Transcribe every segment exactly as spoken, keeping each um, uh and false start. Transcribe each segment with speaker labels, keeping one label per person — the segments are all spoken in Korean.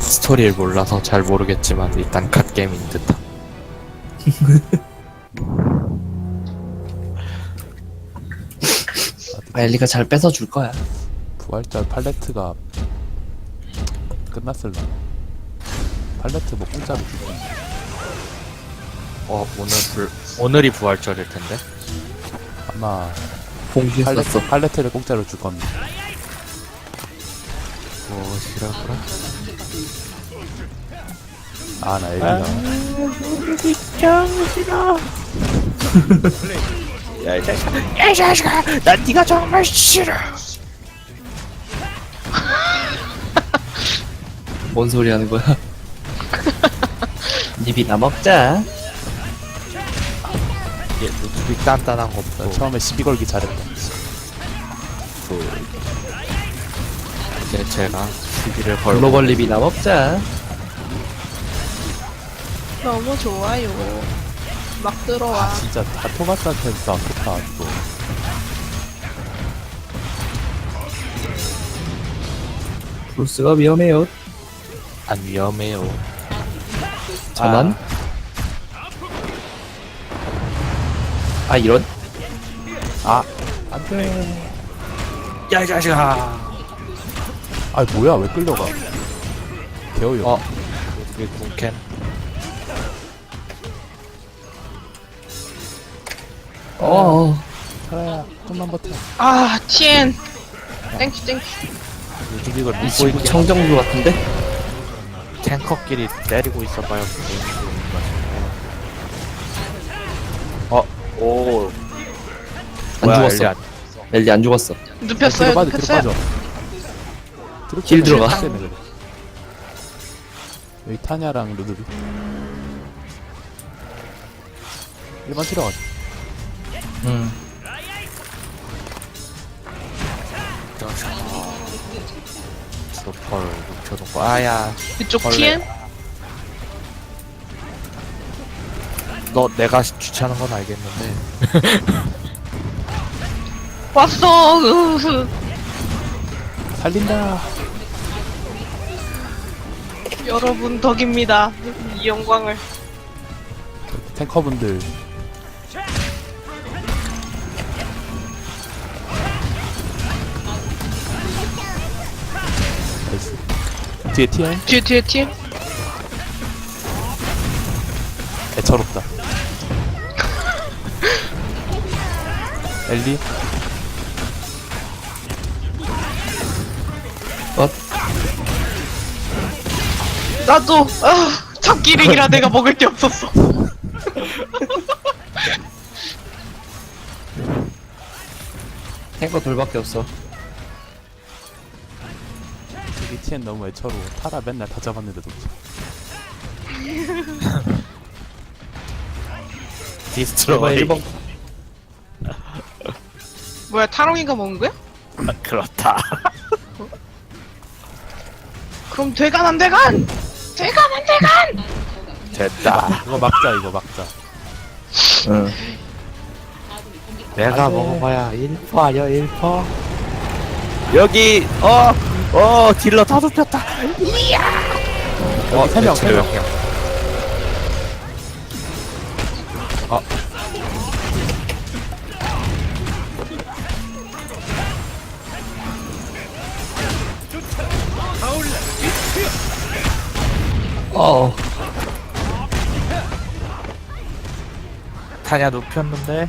Speaker 1: 스토리를 몰라서 잘 모르겠지만 일단 갓게임인 듯한.
Speaker 2: 엘리가 잘 뺏어줄 거야.
Speaker 3: 부활절 팔레트가 끝났을라. 팔레트 뭐 공짜로 주고.
Speaker 1: 어 오늘 불 오늘이 부활절일 텐데.
Speaker 3: 아마
Speaker 2: 공지했었어.
Speaker 3: 팔레트, 팔레트를 공짜로 줄 겁니다.
Speaker 1: 무엇이라고라?
Speaker 3: 아, 나 엘리가.
Speaker 1: 야이 자식아, 야이 자식아, 난 네가 정말 싫어.
Speaker 2: 뭔 소리 하는 거야? 닙이나 먹자.
Speaker 1: 얘 노트북 단단한 거
Speaker 3: 나
Speaker 1: 없고.
Speaker 3: 처음에 시비 걸기 잘했다.
Speaker 1: 이제 제가 시비를 걸고.
Speaker 2: 글로벌 닙이나 먹자.
Speaker 4: 너무 좋아요. 막 들어와.
Speaker 3: 진짜 다 토마스한테서 아프다, 또.
Speaker 2: 브루스가 위험해요.
Speaker 1: 안 위험해요.
Speaker 2: 전환? 아, 이런?
Speaker 3: 아, 안 돼.
Speaker 1: 야이 자식아.
Speaker 3: 아, 뭐야, 왜 끌려가? 개어요.
Speaker 1: 어. 우리 군캔.
Speaker 2: 어,
Speaker 3: 살아야, 좀만 버텨.
Speaker 4: 아, 티엔. 땡큐, 땡큐.
Speaker 1: 요즘 이걸
Speaker 2: 이
Speaker 1: 믿고
Speaker 2: 친구
Speaker 1: 있긴
Speaker 2: 청정부 같은데?
Speaker 1: 탱커끼리 때리고 있어봐요. 어, 오.
Speaker 2: 안
Speaker 1: 뭐야,
Speaker 2: 죽었어.
Speaker 1: 엘리 안-
Speaker 2: 엘리 안 죽었어.
Speaker 4: 눕혔어요,
Speaker 3: 뒤로 빠져, 뒤로
Speaker 4: 눕혔어요.
Speaker 3: 빠져. 뒤로
Speaker 2: 길
Speaker 3: 빠져.
Speaker 2: 들어가.
Speaker 3: 때문에 그래. 여기 타냐랑 루드비. 일반 들어가자.
Speaker 2: 응.
Speaker 1: 조퍼를 눕혀놓고 아야.
Speaker 4: 그쪽
Speaker 1: 벌레.
Speaker 4: 티엔?
Speaker 1: 너 내가 귀찮은 건 알겠는데
Speaker 4: 왔어. 으흐.
Speaker 3: 살린다.
Speaker 4: 여러분 덕입니다. 이 영광을.
Speaker 3: 탱커분들. 나이스. 뒤에 티엔?
Speaker 4: 뒤에, 뒤에 티엔?
Speaker 3: 애처롭다. 엘리?
Speaker 2: 어?
Speaker 4: 나도, 아, 잡기력이라 내가 먹을 게 없었어.
Speaker 2: 탱커 돌밖에 없어.
Speaker 3: 여기 티엔 너무 애처로워. 타라 맨날 다 잡았는데도.
Speaker 1: 디스트로이.
Speaker 2: 일번
Speaker 4: 뭐야, 타롱이가 먹은 거야?
Speaker 1: 아, 그렇다.
Speaker 4: 그럼 되간 안 되간! 되간 안 되간!
Speaker 1: 됐다.
Speaker 3: 이거 막자, 이거 막자.
Speaker 2: 응.
Speaker 1: 내가
Speaker 3: 안 돼.
Speaker 1: 먹어봐야 일 퍼 아니야 일 퍼. 여기 어 어 딜러 다 눕혔다.
Speaker 3: 여기 세 명, 세 명.
Speaker 1: 어.
Speaker 2: 어,
Speaker 1: 타냐 눕혔는데.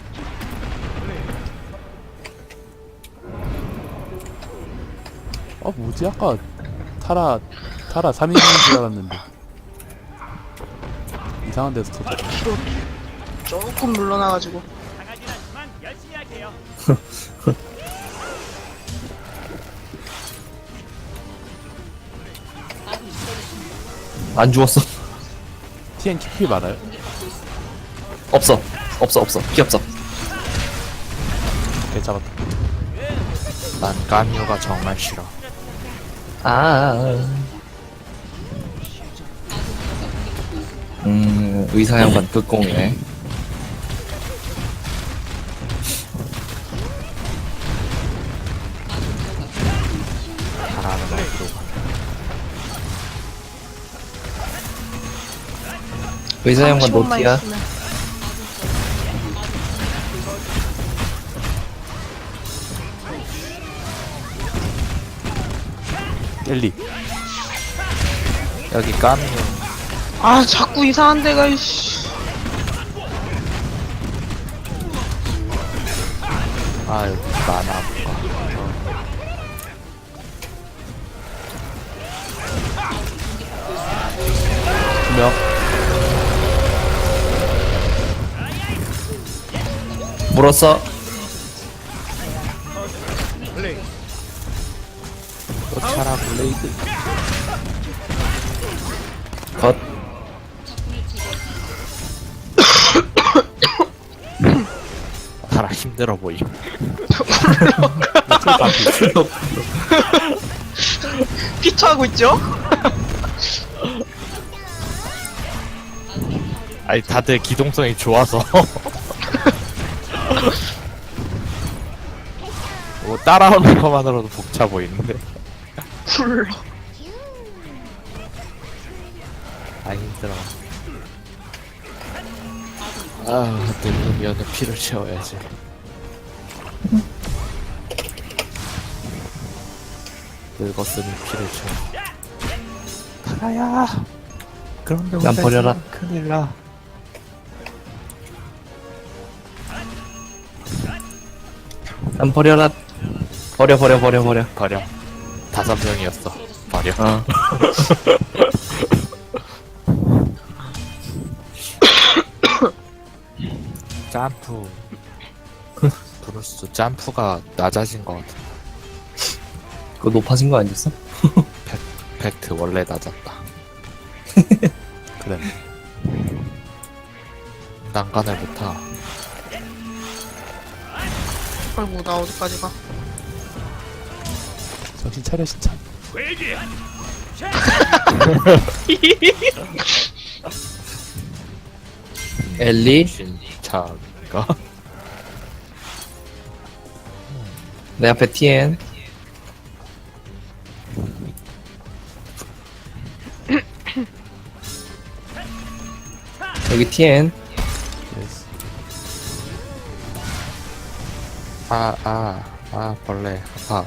Speaker 3: 어, 뭐지? 아까 타라, 타라 삼 인승인 줄 알았는데. 이상한 데서 터져.
Speaker 4: 뒤로 조금 물러나가지고.
Speaker 2: 안 죽었어.
Speaker 3: 티엔 키피 많아요?
Speaker 2: 없어. 없어, 없어. 피 없어.
Speaker 3: 네, 잡았다.
Speaker 1: 난 까뮤가 정말 싫어.
Speaker 2: 아. 음, 의사 양반 끝공이네.
Speaker 1: 잘하는 어디로 가.
Speaker 2: 의사 양반
Speaker 4: 삼십 원만
Speaker 2: 노티야.
Speaker 4: 있으면.
Speaker 3: 엘리.
Speaker 1: 여기 까미요.
Speaker 4: 아 자꾸 이상한 데가 이씨.
Speaker 1: 아 여기 많아 뭐가.
Speaker 3: 두 명.
Speaker 2: 물었어.
Speaker 1: 차라 블레이드.
Speaker 2: 컷.
Speaker 1: 차라 힘들어 보임.
Speaker 4: 피처하고 있죠?
Speaker 1: 아니 다들 기동성이 좋아서. 뭐 따라오는 것만으로도 벅차 보이는데.
Speaker 4: 굴러.
Speaker 1: 아 힘들어. 아 늙으면 피를 채워야지. 늙었으니 피를 채워. 타라야. 그런데
Speaker 2: 난 버려라.
Speaker 1: 큰일 나.
Speaker 2: 난 버려라. 버려 버려 버려 버려.
Speaker 1: 버려. 다섯 명이었어. 버려.
Speaker 2: 어.
Speaker 1: 점프. 브루스 점프가 낮아진 것 같아.
Speaker 2: 그거 높아진 거 아니었어?
Speaker 1: 팩트 원래 낮았다.
Speaker 3: 그래.
Speaker 1: 난간을 못 타.
Speaker 4: 아이고 나 어디까지 가?
Speaker 3: 정신 차려 진짜.
Speaker 2: 엘리.
Speaker 1: 진짜가?
Speaker 2: 내 앞에 티엔. 여기 티엔.
Speaker 3: 예스.
Speaker 1: 아, 아, 아, 벌레. 아파.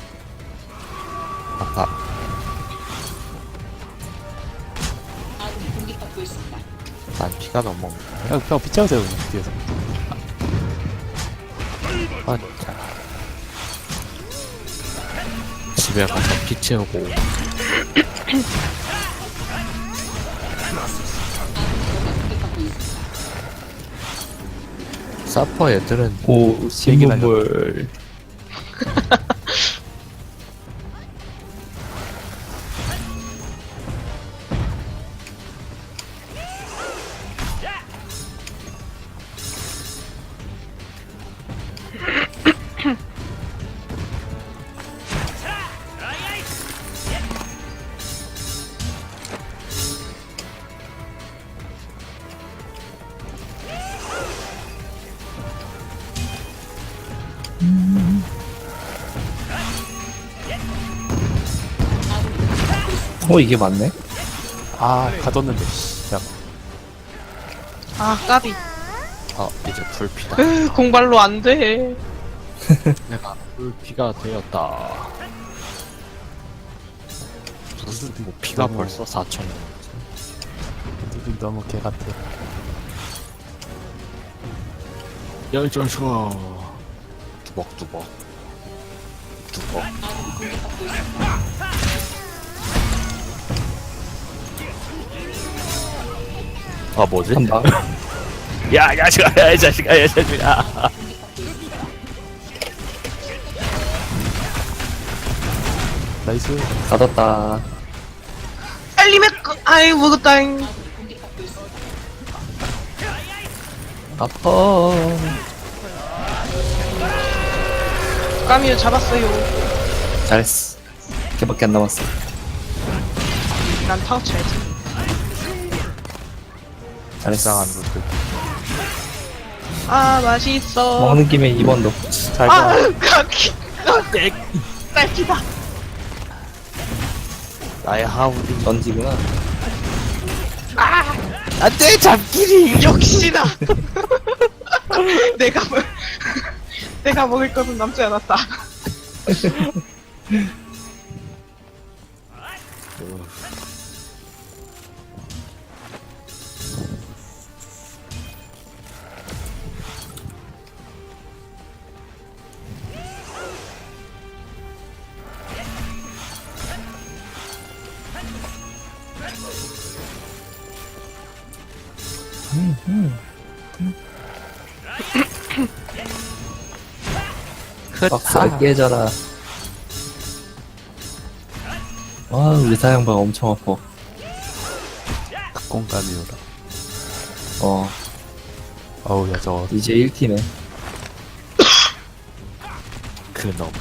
Speaker 1: 아파. 난 피가 너무 없네.
Speaker 3: 그냥 그냥 피 채우세요 그냥 뒤에서.
Speaker 1: 아, 진짜. 집에 가서 피 채우고. 사퍼 애들은
Speaker 2: 오 신문물. 어 이게 맞네.
Speaker 3: 아 가뒀는데. 씨. 야
Speaker 4: 아 까비.
Speaker 1: 어 이제 불피다.
Speaker 4: 으 공발로 안 돼.
Speaker 1: 내가 불피가 되었다. 무슨 뭐 피가
Speaker 3: 너무-
Speaker 1: 벌써 사천.
Speaker 3: 니들 너무 개 같아.
Speaker 1: 열전슈어 두벅두벅 두벅. 아 뭐지?
Speaker 2: 한 방.
Speaker 1: 야, 야, 자식아, 야, 이 자식아, 야, 이 자식아.
Speaker 3: 나이스.
Speaker 2: 받았다.
Speaker 4: 엘리맥 아이 먹었다잉.
Speaker 2: 아파.
Speaker 4: 까미유 잡았어요.
Speaker 2: 잘했어. 걔밖에 안 남았어.
Speaker 4: 난 타워 쳐야지.
Speaker 2: 잘했어.
Speaker 1: 이상한 룰들.
Speaker 4: 아 맛있어.
Speaker 2: 먹는 김에 이 번도.
Speaker 3: 잘 가.
Speaker 4: 아 까기. 딸기다.
Speaker 1: 나의 하울이.
Speaker 2: 던지구나.
Speaker 1: 안돼 잡기리.
Speaker 4: 역시나. 내가 먹 내가 먹을 것은 남지 않았다.
Speaker 2: 박스가 깨져라. 와, 우리 사양방 엄청 아파.
Speaker 3: 극공감이오라.
Speaker 2: 어,
Speaker 3: 어우, 야, 저거.
Speaker 2: 이제 일 티네.
Speaker 1: 그놈.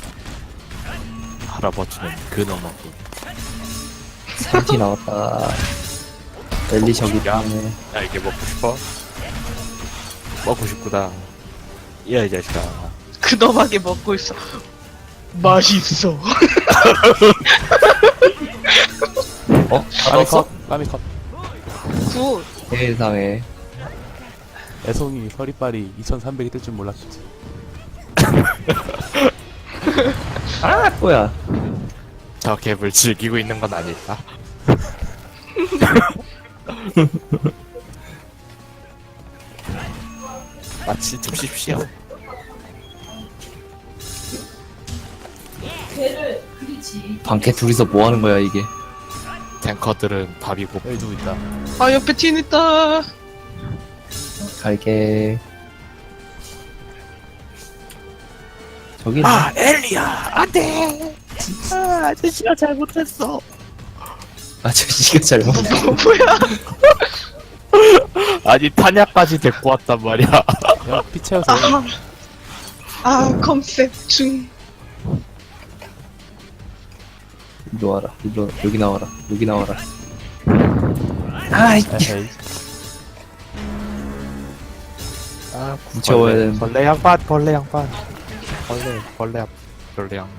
Speaker 1: 할아버지는 그놈하고.
Speaker 2: 삼 티 나왔다. 엘리 저기 있네.
Speaker 1: 야 이게 먹고 싶어? 먹고 싶구나. 야 이 자식아.
Speaker 4: 그놈하게 먹고 있어. 맛있어.
Speaker 2: 어?
Speaker 3: 까미
Speaker 2: 알았어?
Speaker 3: 컷, 까미 컷.
Speaker 4: 굿.
Speaker 2: 세상에.
Speaker 3: 애송이 서리빨이 이천삼백이 뜰 줄 몰랐겠지.
Speaker 2: 아, 뭐야.
Speaker 1: 저 갭을 즐기고 있는 건 아닐까? 마치 줍십시오.
Speaker 2: 방캐 둘이서 뭐 하는 거야, 이게.
Speaker 1: 탱커들은 밥이고.
Speaker 3: 여기 누구 있다.
Speaker 4: 아 옆에 팀 있다.
Speaker 2: 갈게. 저기.
Speaker 1: 아 엘리야 안돼. 아 아저씨가 잘못했어.
Speaker 2: 아저씨가 잘못.
Speaker 4: 뭐, 뭐야?
Speaker 1: 아니 탄약까지 데리고 왔단 말이야.
Speaker 3: 야, 피 채워서.
Speaker 4: 아, 아 컨셉 중.
Speaker 2: 이리 와라. 이리 여기 나와라. 여기 나와라. 아이,
Speaker 3: 에헤이.
Speaker 1: 아
Speaker 2: 붙여와야 되는데.
Speaker 1: 벌레 양반 벌레 양반. 벌레 벌레 양 벌레 양.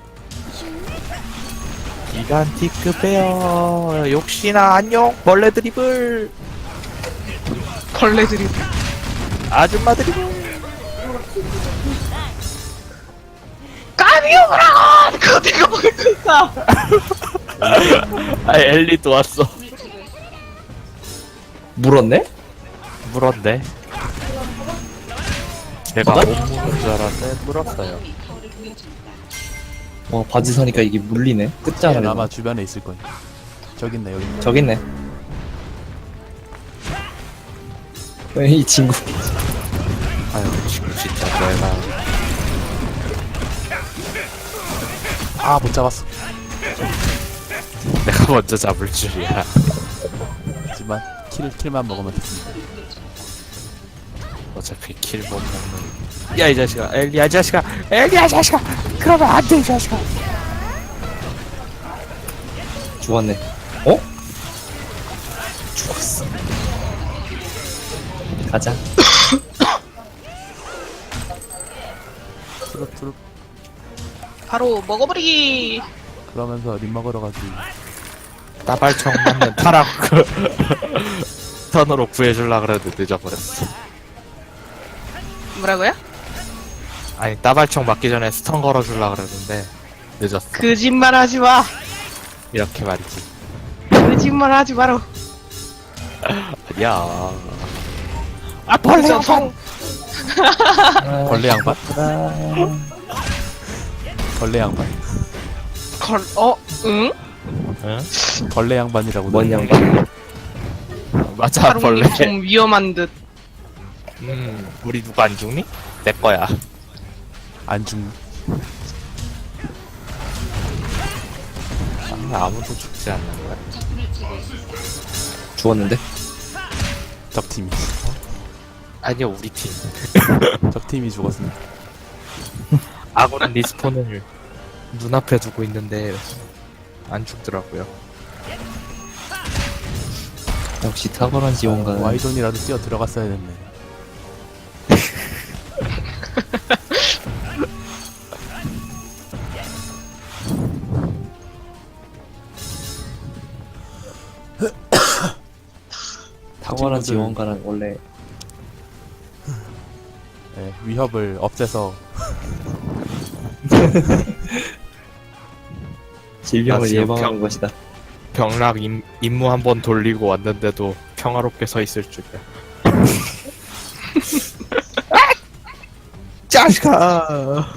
Speaker 1: 기간티크 베어 역시나 안녕 벌레 드리블
Speaker 4: 벌레들이.
Speaker 1: 아줌마 드리블.
Speaker 4: 까미오라고! 그거 내가 먹을 거 있다.
Speaker 1: 아 엘리도 왔어.
Speaker 2: 물었네?
Speaker 1: 물었네. 내가
Speaker 2: 어?
Speaker 1: 못 물은 줄 알았는데 물었어요.
Speaker 2: 와, 바지 서니까 이게 물리네. 끝자락에.
Speaker 3: 아마 주변에 있을 거야. 저기 있네, 여기 있네.
Speaker 2: 저기 있네. 어, 이 친구.
Speaker 1: 아유 지금 진짜 내가
Speaker 3: 아, 못 잡았어.
Speaker 1: 내가 먼저 잡을 줄이야.
Speaker 3: 하지만, 킬, 킬만 먹으면 됐습니다.
Speaker 1: 어차피 킬 못 먹는. 야 이 자식아 엘리야 이 자식아 엘리야 이 자식아 그러면 안 돼 이 자식아.
Speaker 2: 죽었네. 어? 죽었어. 가자.
Speaker 3: 트룹, 트룹.
Speaker 4: 바로 먹어버리기.
Speaker 3: 그러면서 림 먹으러 가지.
Speaker 1: 따발총 맞는 타락 그 턴으로 구해줄라 그랬는데 늦어버렸어.
Speaker 4: 뭐라고요?
Speaker 1: 아니 따발총 맞기 전에 스턴 걸어줄라 그랬는데 늦었어.
Speaker 4: 거짓말하지 마.
Speaker 1: 이렇게 말이지.
Speaker 4: 거짓말하지 마라.
Speaker 1: 아니야. 아 벌레
Speaker 4: 벌레
Speaker 1: 양반.
Speaker 2: 아,
Speaker 3: 벌레 양반?
Speaker 2: 아,
Speaker 3: 벌레 양반.
Speaker 4: 걸, 어, 응?
Speaker 1: 응?
Speaker 3: 벌레 양반이라고.
Speaker 2: 뭔
Speaker 3: 그러네.
Speaker 2: 양반?
Speaker 1: 맞아 벌레.
Speaker 4: 하루님 좀 위험한 듯.
Speaker 1: 음 우리 누가 안 죽니? 내 거야.
Speaker 3: 안 죽.
Speaker 1: 아, 아무도 죽지 않는 거야.
Speaker 2: 죽었는데?
Speaker 3: 적팀이.
Speaker 1: 아니야 우리 팀.
Speaker 3: 적팀이 죽었습니다.
Speaker 1: 아군은 리스폰을 눈앞에 두고 있는데 안 죽더라고요.
Speaker 2: 역시 탁월한 지원가는.
Speaker 3: 와이존이라도 뛰어 들어갔어야 됐네.
Speaker 2: 탁월한
Speaker 3: 친구들-
Speaker 2: 지원가는 원래
Speaker 3: 예, 위협을 없애서
Speaker 2: 질병을
Speaker 1: 지금
Speaker 2: 예방하는
Speaker 1: 병-
Speaker 2: 것이다.
Speaker 1: 병락 임, 임무 한 번 돌리고 왔는데도 평화롭게 서 있을 줄이야. 짜식아.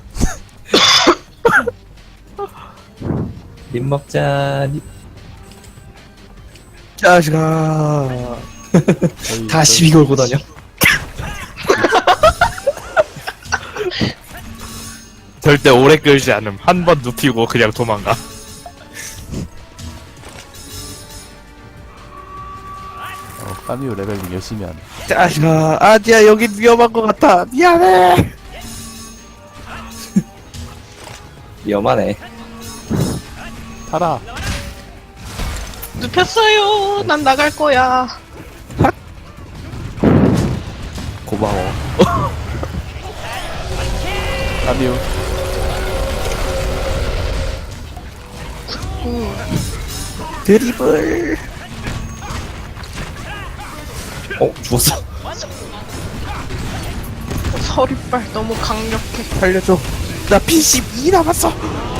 Speaker 2: 님 먹자. 님-
Speaker 1: 짜식아.
Speaker 3: 저희
Speaker 2: 다 시비 걸고 다녀.
Speaker 1: 절대 오래 끌지 않음. 한 번 눕히고 그냥 도망가.
Speaker 3: 어, 까미오 레벨링 열심히 하네.
Speaker 1: 짜식아. 아니야, 여긴 위험한 것 같아. 미안해.
Speaker 2: 위험하네.
Speaker 3: 타라.
Speaker 4: 눕혔어요. 난 나갈 거야.
Speaker 1: 고마워.
Speaker 3: 까미오.
Speaker 4: 음.
Speaker 1: 드리블.
Speaker 2: 어 죽었어.
Speaker 4: 서리빨 너무 강력해.
Speaker 1: 살려줘. 나 피 십이 남았어.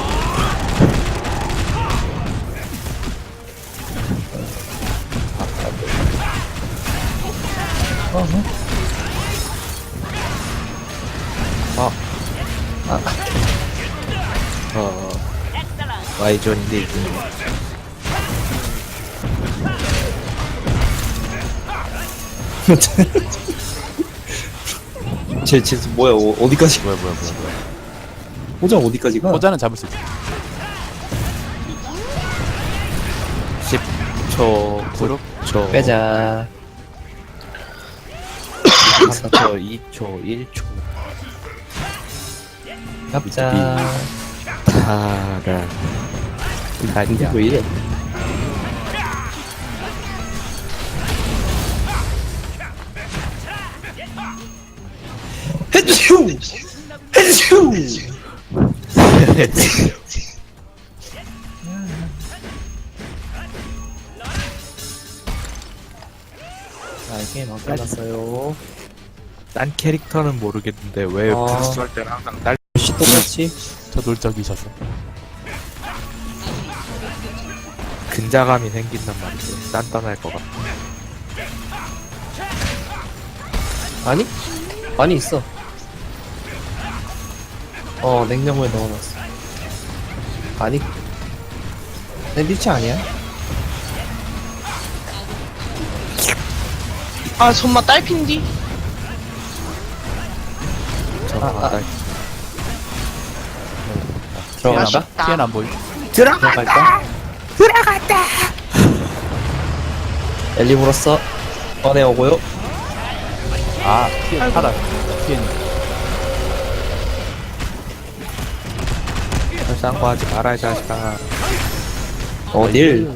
Speaker 1: 아. 아. 어. 와이존인데 이게.
Speaker 2: 쟤, 쟤 뭐야? 어, 어디까지?
Speaker 3: 뭐야 뭐야 뭐야 뭐야.
Speaker 2: 호장 어디까지 가?
Speaker 3: 호자는 잡을 수 있어.
Speaker 1: 십 초,
Speaker 3: 그룹?
Speaker 1: 구 초,
Speaker 2: 빼자.
Speaker 1: 삼 초, 이 초, 일 초.
Speaker 2: 잡자.
Speaker 1: 타라.
Speaker 2: 이게 왜 이래? 헤드슈! 헤드슈! 자, 게임 안 끝났어요.
Speaker 1: 딴 캐릭터는 모르겠는데 왜
Speaker 2: 아.
Speaker 1: 부스 할 때는 항상 날
Speaker 2: 씨 똑같이?
Speaker 3: 저 놀적이셔서.
Speaker 1: 근자감이 생긴단 말이지. 단단할 것 같아.
Speaker 2: 아니? 아니 있어. 어 냉장고에 넣어놨어. 아니 샌드위치 아니야?
Speaker 4: 아 정말 딸핀디.
Speaker 1: 저는
Speaker 2: 아, 아.
Speaker 1: 날
Speaker 2: 들어간다?
Speaker 4: 맛있다.
Speaker 3: 피엔 안 보이.
Speaker 2: 들어갈까? 들어갔다! 엘리 물었어. 꺼내오고요.
Speaker 3: 아 피엔 타라. 피엔.
Speaker 1: 쌍구하지 마라 이 자식아.
Speaker 2: 어딜?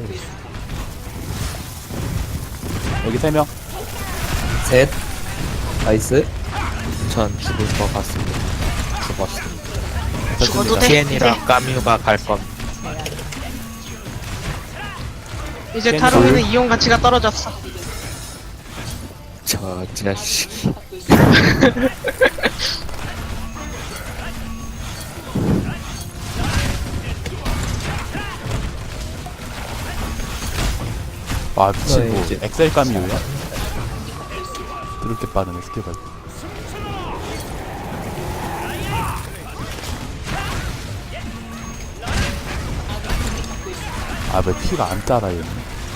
Speaker 3: 여기 세 명.
Speaker 2: 셋. 나이스.
Speaker 1: 전 죽을 것 같습니다. 죽었습니다.
Speaker 4: 죽어도 돼.
Speaker 1: 티엔이랑 까뮤가 갈 겁니다.
Speaker 4: 이제
Speaker 3: 캔
Speaker 4: 타로에는 이용 가치가 떨어졌어.
Speaker 1: 저 자식이.
Speaker 3: 와 미친
Speaker 2: 네,
Speaker 3: 뭐
Speaker 2: 이제.
Speaker 3: 엑셀 까미오야? 그렇게 빠르네 스킬 발. 아왜 피가 안 따라 얘는?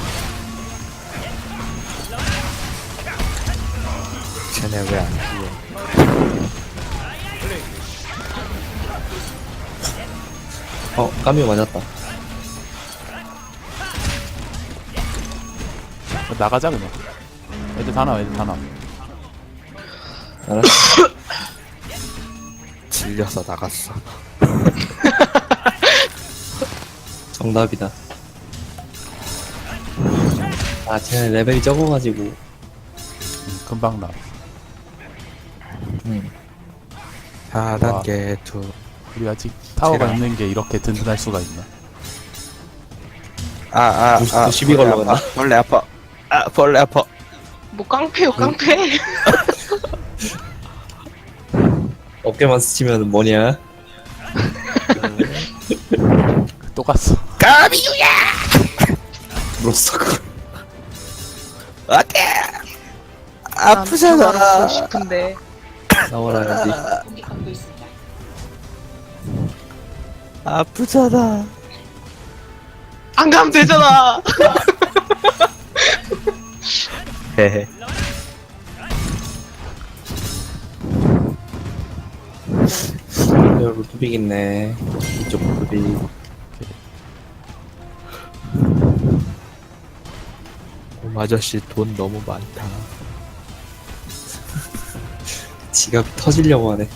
Speaker 1: 쟤네 왜 안 죽어?
Speaker 2: 어 까미오 맞았다.
Speaker 3: 나가자 그냥. 애들 다 나와 애들 다 나와.
Speaker 2: 알았어.
Speaker 1: 질려서 나갔어.
Speaker 2: 정답이다. 아 쟤는 레벨이 적어가지고.
Speaker 3: 음, 금방 나.
Speaker 2: 음.
Speaker 1: 사 단계 투.
Speaker 3: 우리 아직 타워가
Speaker 1: 제가-
Speaker 3: 있는 게 이렇게 든든할 수가 있나?
Speaker 1: 아, 아,
Speaker 2: 또
Speaker 1: 아.
Speaker 2: 시비
Speaker 1: 벌레
Speaker 2: 걸러
Speaker 1: 아파.
Speaker 2: 갔나?
Speaker 1: 벌레 아파. 아, 벌레 아파.
Speaker 4: 뭐 깡패요 깡패.
Speaker 2: 어깨만 스치면 뭐냐?
Speaker 3: 또 갔어.
Speaker 1: 까비유야!
Speaker 2: 로스터 그
Speaker 1: 어때?
Speaker 4: 난
Speaker 1: 아프잖아.
Speaker 4: 보고 싶은데.
Speaker 2: 나와라야지.
Speaker 1: 아프잖아.
Speaker 4: 안 가면 되잖아.
Speaker 1: 헤헤.
Speaker 2: 여기 루비기 있네. 이쪽 루비.
Speaker 1: 오, 아저씨 돈 너무 많다.
Speaker 2: 지갑 터지려고 하네.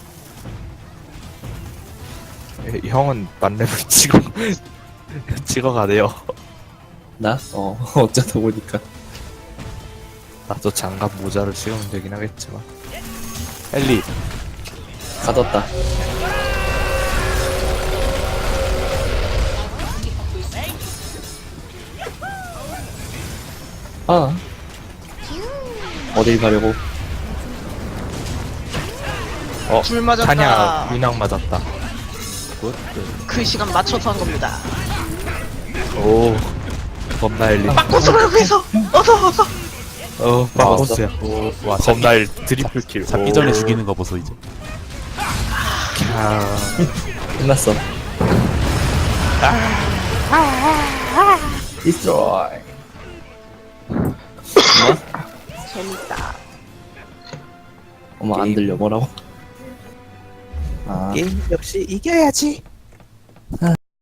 Speaker 1: 에, 형은 만렙을 찍어 찍어가네요.
Speaker 2: 나? 어, 어쩌다 보니까.
Speaker 1: 나도 장갑 모자를 찍으면 되긴 하겠지만.
Speaker 3: 엘리.
Speaker 2: 가뒀다. 아. 어딜 가려고?
Speaker 1: 어,
Speaker 4: 줄 맞았다.
Speaker 1: 타냐 윤왕 맞았다. 굿.
Speaker 4: 그 시간 맞춰서 한 겁니다.
Speaker 1: 오, 겁나일리.
Speaker 4: 바꿔서 여기서 어서 어서.
Speaker 1: 어, 바보스야.
Speaker 3: 오, 와,
Speaker 1: 겁나일 트리플 킬.
Speaker 3: 잡기 전에 죽이는 거 보소 이제.
Speaker 1: 아,
Speaker 2: 끝났어. 디스트로이.
Speaker 4: 재밌다.
Speaker 2: 어머, 안 들려, 뭐라고? 아.
Speaker 1: 게임 역시 이겨야지.